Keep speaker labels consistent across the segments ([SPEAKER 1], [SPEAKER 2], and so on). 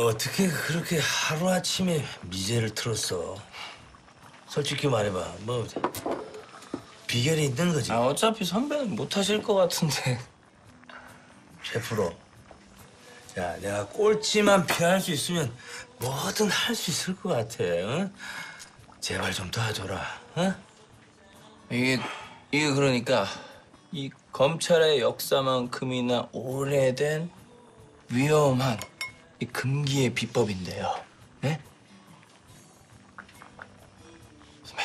[SPEAKER 1] 어떻게 그렇게 하루아침에 미제를 틀었어? 솔직히 말해봐. 뭐 비결이 있는 거지?
[SPEAKER 2] 어차피 선배는 못 하실 것 같은데.
[SPEAKER 1] 셰프로. 야, 내가 꼴찌만 피할 수 있으면 뭐든 할 수 있을 것 같아. 응? 제발 좀 도와줘라. 응?
[SPEAKER 2] 이게 그러니까 이 검찰의 역사만큼이나 오래된 위험한 이 금기의 비법인데요. 네? 선배.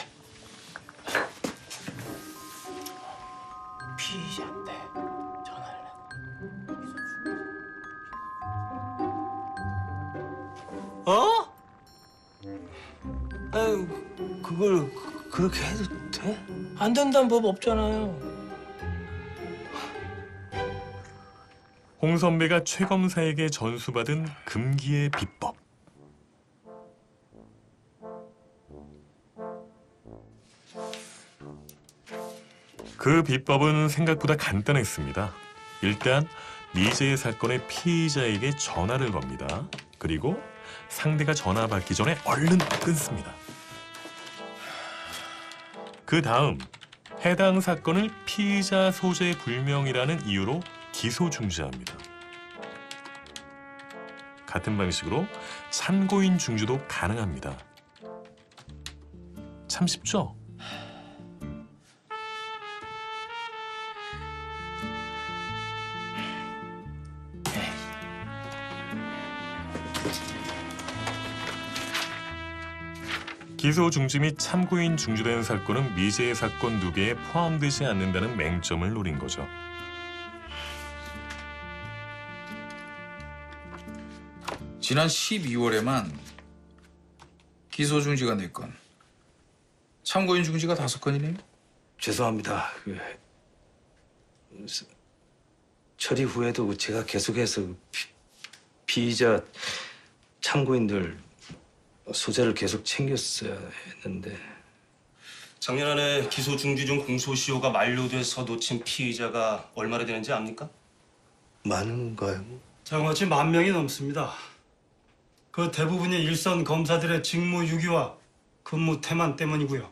[SPEAKER 2] 피의자인데 전화를 해.
[SPEAKER 1] 어? 아유, 그걸 그렇게 해도 돼?
[SPEAKER 2] 안 된다는 법 없잖아요.
[SPEAKER 3] 홍 선배가 최 검사에게 전수받은 금기의 비법. 그 비법은 생각보다 간단했습니다. 일단 미제의 사건의 피의자에게 전화를 겁니다. 그리고 상대가 전화 받기 전에 얼른 끊습니다. 그 다음 해당 사건을 피의자 소재 불명이라는 이유로 기소 중지합니다. 같은 방식으로 참고인 중지도 가능합니다. 참 쉽죠? 기소 중지 및 참고인 중지된 사건은 미제의 사건 2개에 포함되지 않는다는 맹점을 노린 거죠.
[SPEAKER 4] 지난 12월에만 기소 중지가 4건, 참고인 중지가 5건이네요.
[SPEAKER 1] 죄송합니다. 처리 후에도 제가 계속해서 피의자 참고인들 소재를 계속 챙겼어야 했는데.
[SPEAKER 5] 작년 안에 기소 중지 중 공소시효가 만료돼서 놓친 피의자가 얼마나 되는지 압니까?
[SPEAKER 1] 많은가요?
[SPEAKER 6] 장어치 10,000명이 넘습니다. 그 대부분이 일선 검사들의 직무 유기와 근무 태만 때문이고요.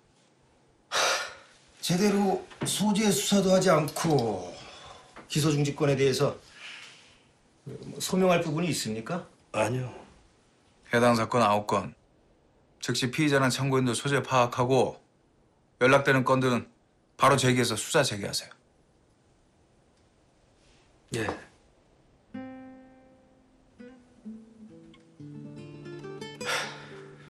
[SPEAKER 7] 제대로 소재 수사도 하지 않고 기소 중지권에 대해서 소명할 부분이 있습니까?
[SPEAKER 1] 아니요.
[SPEAKER 4] 해당 사건 9건, 즉시 피의자나 참고인들 소재 파악하고 연락되는 건들은 바로 제기해서 수사 재개하세요.
[SPEAKER 1] 예.